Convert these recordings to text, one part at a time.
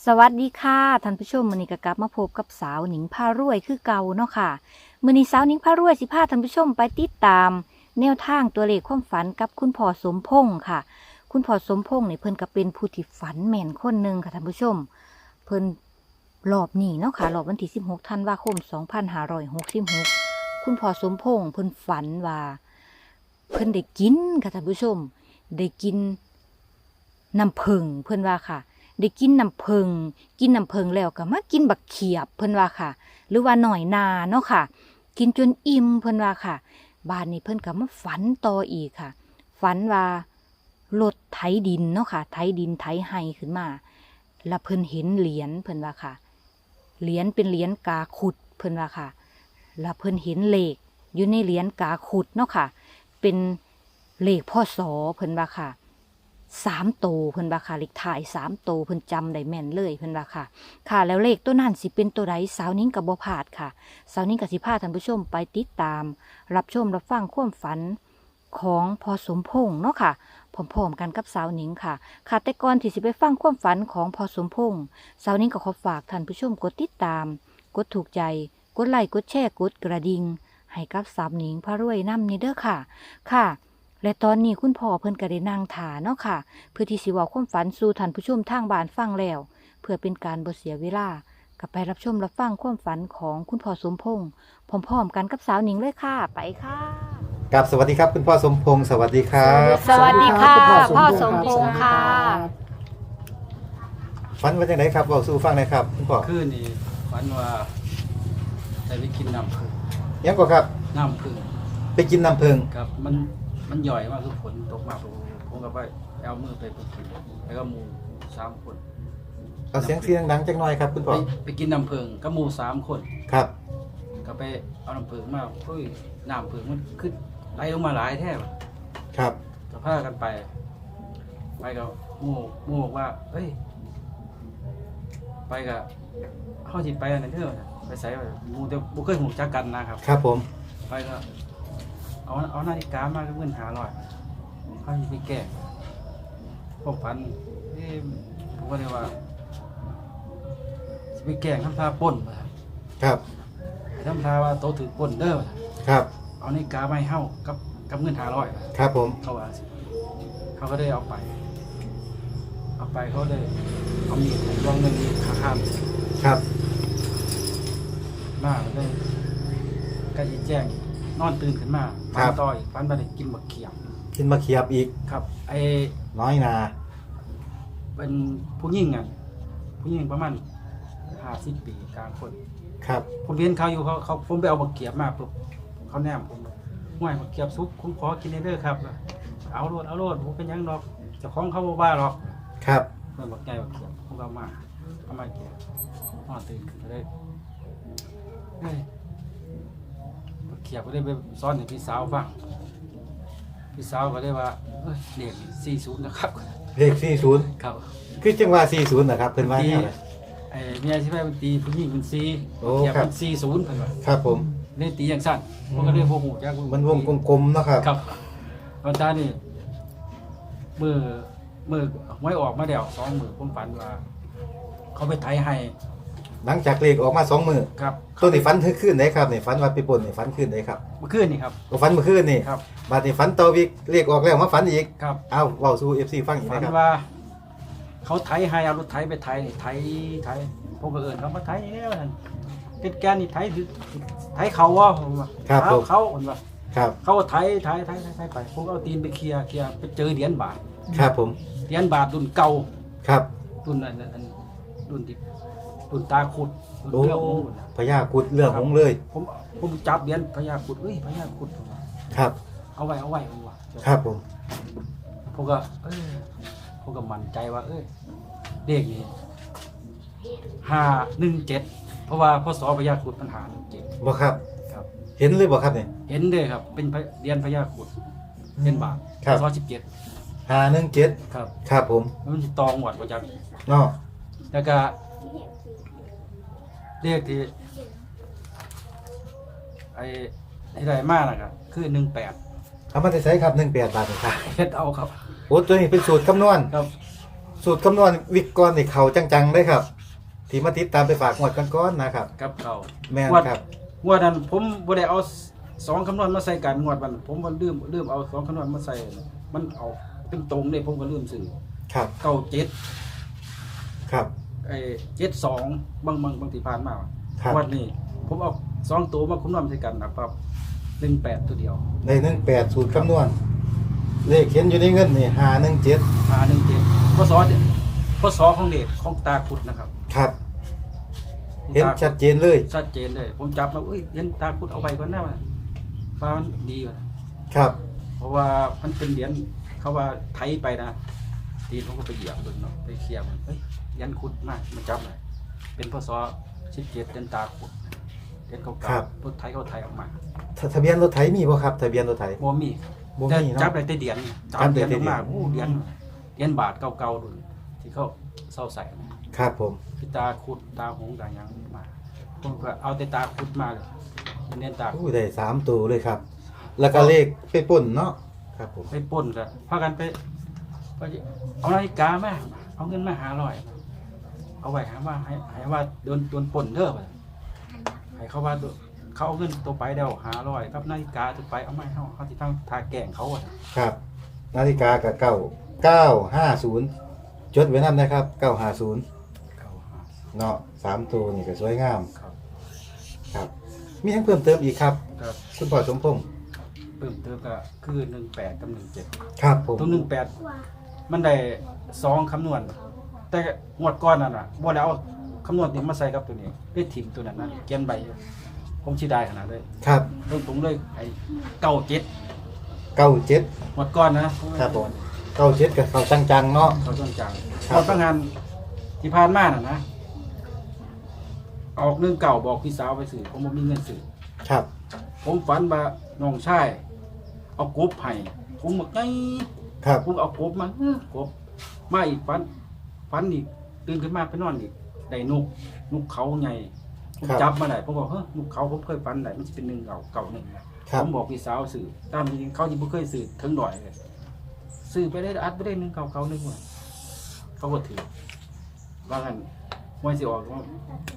สวัสดีค่ะท่านผู้ชมมื้อนี้ก็กลับมาพบกับสาวหนิงพารวยคือเก่าเนาะค่ะมื้อนี้สาวหนิงพารวยสิพาท่านผู้ชมไปติดตามแนวทางตัวเลขความฝันกับคุณพ่อสมพงษ์ค่ะ คุณพ่อสมพงษ์นี่เพิ่นก็เป็นผู้ที่ฝันแม่นคนหนึ่งค่ะท่านผู้ชมเพิ่นรอบนี้เนาะค่ะรอบวันที่16ธันวาคม2566คุณพ่อสมพงษ์เพิ่นฝันว่าเพิ่นได้กินค่ะท่านผู้ชมได้กินน้ำผึ้งเพิ่นว่าค่ะ ได้กินน้ำผึ้งแล้วก็มากินบักเขียบเพิ่นว่าค่ะ หรือว่าหน่อยนาเนาะค่ะ กินจนอิ่มเพิ่นว่าค่ะบ้านนี้เพิ่นก็มาฝันต่ออีกค่ะ ฝันว่ารถไถดินเนาะค่ะไถดินไถไห้ขึ้นมาแล้วเพิ่นเห็นเหรียญเพิ่นว่าค่ะเหรียญเป็นเหรียญกาขุดเพิ่นว่าค่ะแล้วเพิ่นเห็นเลขอยู่ในเหรียญกาขุดเนาะค่ะ เป็นเลขพศเพิ่นว่าค่ะ3 โตวเพิ่นว่าค่ะเลขถ่าย3 โตวเพิ่นจำได้แม่นเลยเพิ่นว่าค่ะค่ะแล้วเลขตัวนั้นสิเป็นตัวใดสาวนิ้งกับบ่พลาดค่ะสาวนิ้งกับสิพาท่านผู้ชมไปติดตาม รับชมรับฟังความฝันของพ่อสมพงษ์เนาะค่ะพร้อมๆกันกับสาวนิ้งค่ะค่ะแต่ก่อนที่สิไปฟังความฝันของพ่อสมพงษ์สาวนิ้งก็ขอฝากท่านผู้ชมกดติดตามกดถูกใจกดไลค์กดแชร์กดกระดิ่งให้กับสาวนิ้งพารวยนำนี่เด้อค่ะค่ะและตอนนี้คุณพ่อเพิ่นก็ได้นั่งท่าเนาะค่ะเพื่อที่สิเว้าความฝันสู่ท่านผู้ชมทางบ้านฟังแล้วเพื่อเป็นการบ่เสียเวลาก็ไปรับชมรับฟังความฝันของคุณพ่อสมพงษ์พร้อมๆกันกับสาวหนิงเลยค่ะไปค่ะกับสวัสดีครับคุณพ่อสมพงษ์สวัสดีครับสวัสดีค่ะสวัสดีครับพ่อสมพงษ์ค่ะฝันว่าจังไดครับบอกสู่ฟังหน่อยครับคุณพ่อคืนนี้ฝันว่าได้ไปกินน้ำผึ้งยังก็ครับน้ำผึ้งไปกินน้ำผึ้งครับมันย่อยมากคือฝนตกมาผมก็ไปเอามือไปกินแล้วก็หมู3 คนเอาเสียงดังจังหน่อยครับคุณพ่อไปกินน้ำผึ้งกับหมู3 คนครับก็ไปเอาน้ำผึ้งมาเฮ้ยน้ำผึ้งมันขึ้นไหลลงมาหลายแท้ว่ะครับก็พากันไปกับหมูบอกว่าเฮ้ยไปกับเขาสิไปอันนั้นเด้อไปใส่หมูแต่บ่เคยหูจักกันนะครับครับผมไปก็เอานาฬิกามาก็เงิน500เขาสิไปแก้พวกพันผมก็เลยว่าสิไปแก้ทำท่าปล้นว่าครับทำท่าว่าโตถือปล้นเด้อครับเอานาฬิกามาให้เฮากับเงิน500 ครับผมเขาว่าสิเขาก็ได้เอาไปเขาได้เอามีดลองเงินขาข้ามครับมาเลยก็สิแจ้งนอนตื่นขึ้นมาฝันต่ออีกฝันว่าได้กินบักเขียบกินมาเขียบอีกครับน้อยนาเป็นผู้หญิงอ่ะผู้หญิงประมาณ50 ปีกลางคนครับผมเรียนเขาอยู่เขาผมไปเอาบักเขียบมาปุ๊บเขาแนมผมห่วยบักเขียบซุปผมขอกินเด้อครับเอาโลดผมเป็นหยังดอกเจ้าของเขาบ่ว่าหรอกครับเพิ่นบักใหญ่บักเขียบผมก็เอามาเขียบตื่นขึ้นก็เลยเฮ้ยบักเขียบก็ได้ไปสอนให้พี่สาวฟังพี่สาวก็ได้ว่าเอ้ยเด็ก40นะครับเลข40 ครับคือจังว่า40นะครับเพิ่นว่าแนวไหนเมียใช่ไหมมันตีผู้หญิงเป็นซีโอ้เขียบครับเป็น40เพิ่นว่าครับผมเล่นตีอย่างสั้นผมก็เลยโมโหจักมันวงกลมๆเนาะครับครับวันตานี่มือไว้ออกมาเดี่ยว2 มือผมฝันว่า เขาไปไถให้หลังจากเลขออกมา2มื้อครับตัวนี้ฝันคืนไหนครับนี่ฝันว่าไปปล้นนี่ฝันคืนไหนครับเมื่อคืนนี่ครับก็ฝันเมื่อคืนนี่ครับบัดนี้ฝันต่ออีกเลขออกแล้วมาฝันอีกครับเอาเว้าสู่ FC ฟังอีกฝันนะครับว่า เขาไถให้เอารถไถไปไถนี่ไถผมก็เอิ้นเขามาไถแล้วนั่นเป็นแกนนี่ไถถือไถเขาว่าผมว่าครับผมเขาผมว่าครับเขาก็ไถไปผมก็เอาตีนไปเคลียร์ไปเจอเหรียญบาทครับผมเหรียญบาทรุ่นเก่าครับรุ่นอันรุ่นที่รุ่นตาขุดรุ่นโอ้เรื่องของรุ่นน่ะพญากุดเรื่องของเลยผมจับเหรียญพญาขุดพญาขุดครับเอาไว้ผมว่าครับผมผมก็ผมก็มั่นใจว่าเด็กนี่517เพราะว่าพศพญาขุดมัน517 บ่ครับครับเห็นเลยบ่ครับนี่เห็นเด้อครับเป็นเหรียญพญาขุดเป็นบาทครับพศ17 517 ครับครับผมมันสิตองหวดบ่จักเนาะแล้วก็เลขที่ที่ได้มาน่ะก็คือ18 เอามาได้ใช้ครับ18 บาทนี่ครับเฮ็ดเอาครับโอ้ตัวนี้เป็นสูตรคำนวณครับสูตรคำนวณวิกก่อนนี่เขาจังๆเลยครับ ที่มาติดตามไปฝากงวดก้อนๆนะครับกับเขาแม่นงวดครับงวดนั้นผมบ่ได้เอาสองคำนวณมาใส่กันงวดวันผมมันลืมเอาสองคำนวณมาใส่มันเอาเป็นตรงเลยผมก็ลืมซื้อครับ 97 ครับไอ้72บางที่ผ่านมาครับงวดนี้ผมเอา2ตัวมาคำนวณใส่กันนะครับ18ตัวเดียวใน18สูตรคำนวณ เลขเขียนอยู่ในเงินนี่517 517พศของเด็กของตาขุดนะครับครับ เห็นชัดเจนเลยชัดเจนเลย ผมจับมาเห็นตาขุดเอาไปก่อนหน้าฟ้ามันดีกว่าครับเพราะว่ามันเป็นเหรียญเขาว่าไทยไปนะตีนผมก็ไปเหยียบดูเนาะไปเคลียร์มันเหรียญขุดมากมันจับเลยเป็นพศ17เดือนตาขุดเหรียญเก่าๆพวกไทยเขาไทยออกมาทะเบียนรถไถมีบ่ครับทะเบียนรถไถบ่มีบ่แต่มีเนาะจับได้แต่เหรียญจับเหรียญออกมาโอ้เหรียญบาทเก่าๆดูที่เขาเศร้าใส่นะครับผมคือตาขุดตาหงตาหยังมาผมก็เอาแต่ตาขุดมาเลยเน้นตาขุดอู้ได้3ตัวเลยครับ แล้วก็เลขไปป่นเนาะครับผมไปปล้นกันพากันไปเอานาฬิกามาเอาเงินมา500เอาไว้หาว่าให้ว่าโดนปล้นเด้อไปให้เขาว่าเขาเอาเงินตัวไปเดียว500กับนาฬิกาตัวไปเอามาให้เขาที่ทางทาแกล้งเขาอ่ะครับ นาฬิกากับ950จดไว้นำนะครับ950เนาะ3ตัวนี่ก็สวยงามครับครับ มีหยังเพิ่มเติมอีกครับครับคุณพ่อสมพงษ์เพิ่มเติมก็คือ18กับ17 ครับผมตัว18มันได้2คำนวณ แต่งวดก่อนนั่นน่ะบ่ได้เอาคำนวณนี้มาใส่กับตัวนี้ได้ถิ่มตัวนั้นนะเขียนใบอยู่ผมสิได้ขนาดเลยครับตรงๆเลยไอ้97 97 งวดก่อนนะครับผม97กับเขาจังๆเนาะเขาต้องจังครับตอนตั้งงานที่ผ่านมาน่ะนะออกเรื่องเก่าบอกพี่สาวไปสื่อผมบ่มีเงินสื่อครับผมฝันว่าน้องชายเอากบให้ผมบอกไงครับผมเอากบมากบมาอีกฝันอีกตื่นขึ้นมาไปนอนอีกได้นกเขาใหญ่ผมจับมาได้ผมบอกเฮ้ยนกเขาผมเคยฝันได้มันจะเป็น1เก่า1นะผมบอกพี่สาวสื่อตามจริงเขาที่บ่เคยสื่อถึงดอยเลยสื่อไปได้อัดไปได้1เก่า1ว่ะเขาก็ถือว่างั้นวันสิออกว่า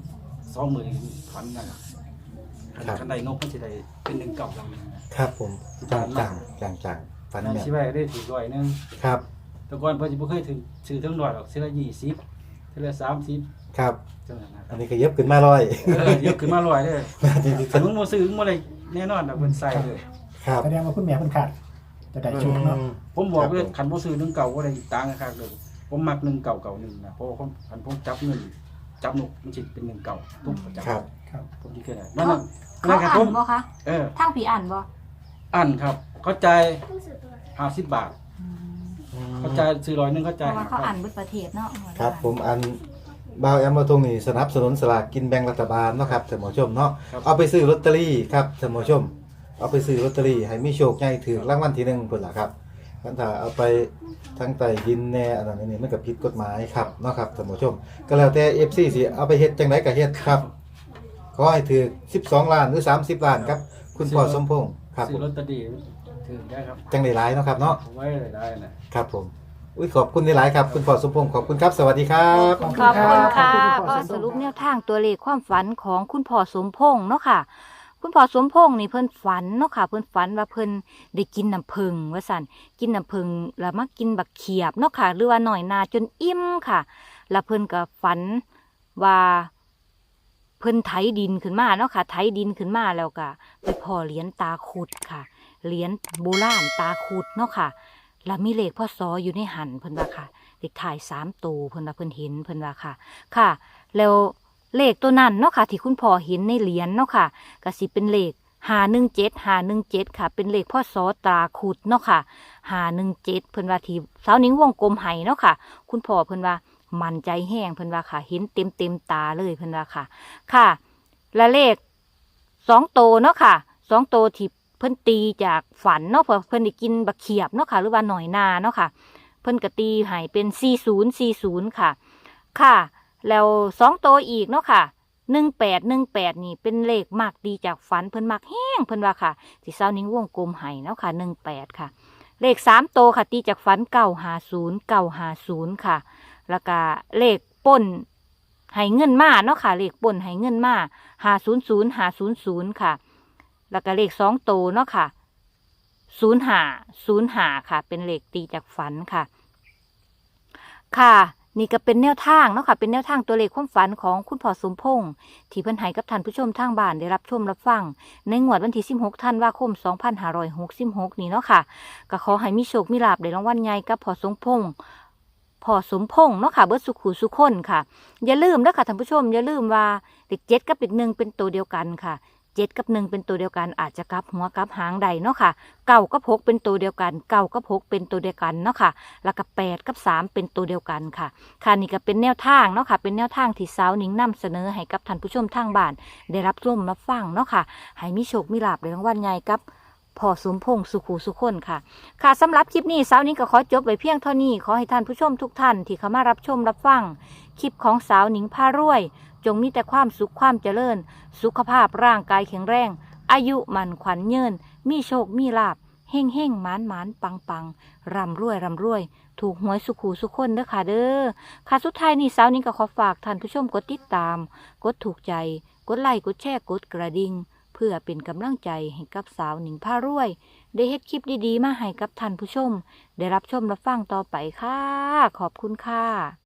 20,000ฝันนั่นน่ะคันใดนกมันสิได้เป็น1เก่า1นะครับผมจังๆฝันนั่นแม่นสิไว้ได้ถือร้อยหนึงครับแต่ก่อนเพิ่นสิบ่เคยถึงซื้อถึงร้อยหรอกซื้อละ20ซื้อละ30 ครับจังนั้นนะคอัรันบนี้ก็เย็บขึ้นมา100 ยกขึ้นมาร้อยเด้อที่ที่คันมึงบ่ซื้อมึงบ่ได้แน่นอนดอกเพิ่นใส่เลยครับแสดงว่าคุณแม่เพิ่นขาดจะได้ชุดเนาะผมบอกครับเลยผมคันบ่ซื้อ1เก่าบ่ได้ต่างกันคักเลยผมมัก1เก่า1นะเพราะว่าคันผมจับเงินจับนกมันสิเป็น1เก่าทุกประจำครับครับผมสิเคยได้เขานั่นเขาครับอ่าผนมบ่คะเออทางผีอ่านบ่อันครับเข้าใจาย50 บาทเข้าใจายซื้อร้อยหนึงเข้าเพใจายราะว่าเขาอ่านเบิดประเทศเนาะครับผมอันบ่าวแอมมาตรงนี้สนับสนุนสลากกินแบ่งรัฐบาลเนาะครับท่านผู้ชมเนาะเอาไปซื้อลอตเตอรี่ครับท่านผู้ชม เอาไปซื้อลอตเตอรี่ให้มีโชคใหญ่ถือรางวัลที่1พุ่นล่ะครับคันถ้าเอาไปทั้งใต้ดินแน่อันนั้นนี่มันก็ผิดกฎหมายครับเนาะครับท่านผู้ชม ก็แล้วแต่ FC สิเอาไปเฮ็ดจังไดก็เฮ็ดครับขอให้ถือ12ล้านหรือ30ล้านครับ คุณพ่อสมพงษ์ครับผซื้อมลอตเตอรี่ถือได้ครับจังได้หลายเนาะครับเนาะเอาไว้ได้นะครับผมอุ้ยขอบคุณหลายๆครับคุณพ่อสมพงษ์ขอบคุณครับสวัสดีครับขอบคุณค่ะขอบคุณคุณพ่อก็สมพงษ์สรุปแนวทางตัวเลขความฝันของคุณพ่อสมพงษ์เนาะค่ะ คุณพ่อสมพงษ์นี่เพิ่นฝันเนาะค่ะ เพิ่นฝันว่าเพิ่นได้กินน้ำผึ้งว่าซั่นกินน้ำผึ้งแล้วมากินบักเขียบเนาะค่ะ หรือว่าหน่อยนาจนอิ่มค่ะ แล้วเพิ่นก็ฝันว่าเพิ่นไถดินขึ้นมาเนาะค่ะ ไถดินขึ้นมาแล้วก็ไปพ่อเหรียญตาขุดค่ะเหรียญโบราณตาขุดเนาะค่ะ แล้วมีเลขพ่อซออยู่ในหันเพิ่นว่าค่ะเลขถ่าย3ตัวเพิ่นว่าเพิ่นเห็นเพิ่นว่าค่ะ ค่ะ แล้วเลขตัวนั้นเนาะค่ะ ที่คุณพ่อเห็นในเหรียญเนาะค่ะก็สิเป็นเลข517ค่ะ เป็นเลขพ่อซอตราขุดเนาะค่ะ517เพิ่นว่าที่สาวนิ้งวงกลมให้เนาะค่ะ คุณพ่อเพิ่นว่ามั่นใจแห้งเพิ่นว่าค่ะ เห็นเต็มตาเลยเพิ่นว่าค่ะ ค่ะ และเลข2ตัวเนาะค่ะ2ตัวที่เพิ่นตีจากฝันเนาะเพิ่นได้กินบักเขียบเนาะค่ะ หรือว่าหน่อยนาเนาะค่ะ เพิ่นก็ตีให้เป็น4040ค่ะ ค่ะ แล้ว2ตัวอีกเนาะค่ะ1818นี่เป็นเลขมากดีจากฝันเพิ่นมักแห้งเพิ่นว่าค่ะที่เซานิ้งวงกลมให้เนาะค่ะ18ค่ะ เลข3ตัวค่ะตีจากฝัน950ค่ะแล้วก็เลขป่นให้เงินมาเนาะค่ะเลขป่นให้เงินมา500ค่ะแล้วก็เลข2โตวเนาะค่ะ05ค่ะเป็นเลขตีจากฝันค่ะค่ะนี่ก็เป็นแนวทางเนาะค่ะเป็นแนวทางตัวเลขความฝันของคุณพ่อสมพงษ์ที่เพิ่นให้กับท่านผู้ชมทางบ้านได้รับชมรับฟังในงวดวันที่16ธันวาคม2566นี้เนาะค่ะก็ขอให้มีโชคมีลาภได้รางวัลใหญ่กับพ่อสมพงษ์เนาะค่ะเบิดสุขุสุขคนค่ะอย่าลืมเด้อค่ะท่านผู้ชมอย่าลืมว่าเลข7กับเลข1เป็นตัวเดียวกันค่ะ7กับ1เป็นตัวเดียวกันอาจจะกลับหัวกลับหางใดเนาะค่ะ9กับ6เป็นตัวเดียวกัน9กับ6เป็นตัวเดียวกันเนาะค่ะแล้วก็8กับ3เป็นตัวเดียวกันค่ะค่ะนี่ก็เป็นแนวทางเนาะค่ะเป็นแนวทางที่สาวหนิงนำเสนอให้กับท่านผู้ชมทางบ้านได้รับชมรับฟังเนาะค่ะให้มีโชคมีลาภในรางวัลใหญ่กับพ่อสมพงษ์สุขุสุขคนค่ะค่ะสำหรับคลิปนี้สาวหนิงก็ขอจบไว้เพียงเท่านี้ขอให้ท่านผู้ชมทุกท่านที่เข้ามารับชมรับฟังคลิปของสาวหนิงพารวยจงมีแต่ความสุขความเจริญสุขภาพร่างกายแข็งแรงอายุมันขวัญยืนมีโชคมีลาภเฮ่งเฮ่งหมานหมานปังปังร่ำรวยถูกหวยสุขูสุขคนเด้อค่ะเด้อค่ะสุดท้ายนี้สาวหนิงก็ขอฝากท่านผู้ชมกดติดตามกดถูกใจกดไลค์กดแชร์กดกระดิ่งเพื่อเป็นกำลังใจให้กับสาวหนิงพารวยได้เฮ็ดคลิปดีๆมาให้กับท่านผู้ชมได้รับชมรับฟังต่อไปค่ะขอบคุณค่ะ